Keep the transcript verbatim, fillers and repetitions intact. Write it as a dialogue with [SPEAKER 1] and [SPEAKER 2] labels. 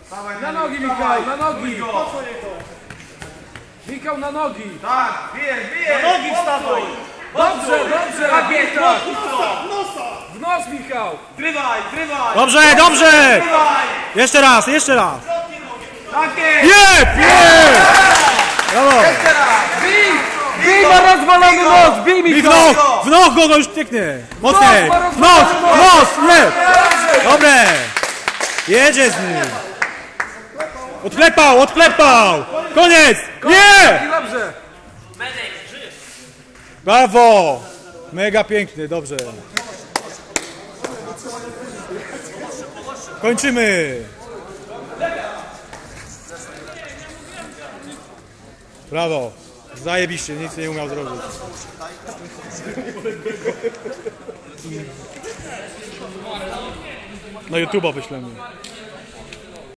[SPEAKER 1] Na nogi, Michał, na nogi! Michał, na nogi!
[SPEAKER 2] Tak, bijesz, bijesz!
[SPEAKER 3] Na nogi wstawaj!
[SPEAKER 1] Dobrze, dobrze!
[SPEAKER 2] Tak jest,
[SPEAKER 1] tak.
[SPEAKER 3] W nosa!
[SPEAKER 1] W nos, Michał!
[SPEAKER 2] Trywaj, trywaj!
[SPEAKER 4] Dobrze, dobrze!
[SPEAKER 2] Trywaj!
[SPEAKER 4] Jeszcze raz, jeszcze raz!
[SPEAKER 2] Tak jest!
[SPEAKER 4] Jep, jep! Brawo!
[SPEAKER 2] Jeszcze raz!
[SPEAKER 1] Bij! Bij ma rozwalony nos! Bij,
[SPEAKER 4] I w
[SPEAKER 1] Michał!
[SPEAKER 4] nos! W nos go, go już pięknie! Mocniej!
[SPEAKER 1] Nos,
[SPEAKER 4] W nos! W nos! Jep! Dobre! Jedzie z nim! Odklepał, odklepał! Koniec! Nie!
[SPEAKER 1] I dobrze!
[SPEAKER 4] Brawo! Mega piękny, dobrze. Kończymy! Brawo! Zajebiście, nic nie umiał zrobić. Na YouTube'a wyślemy.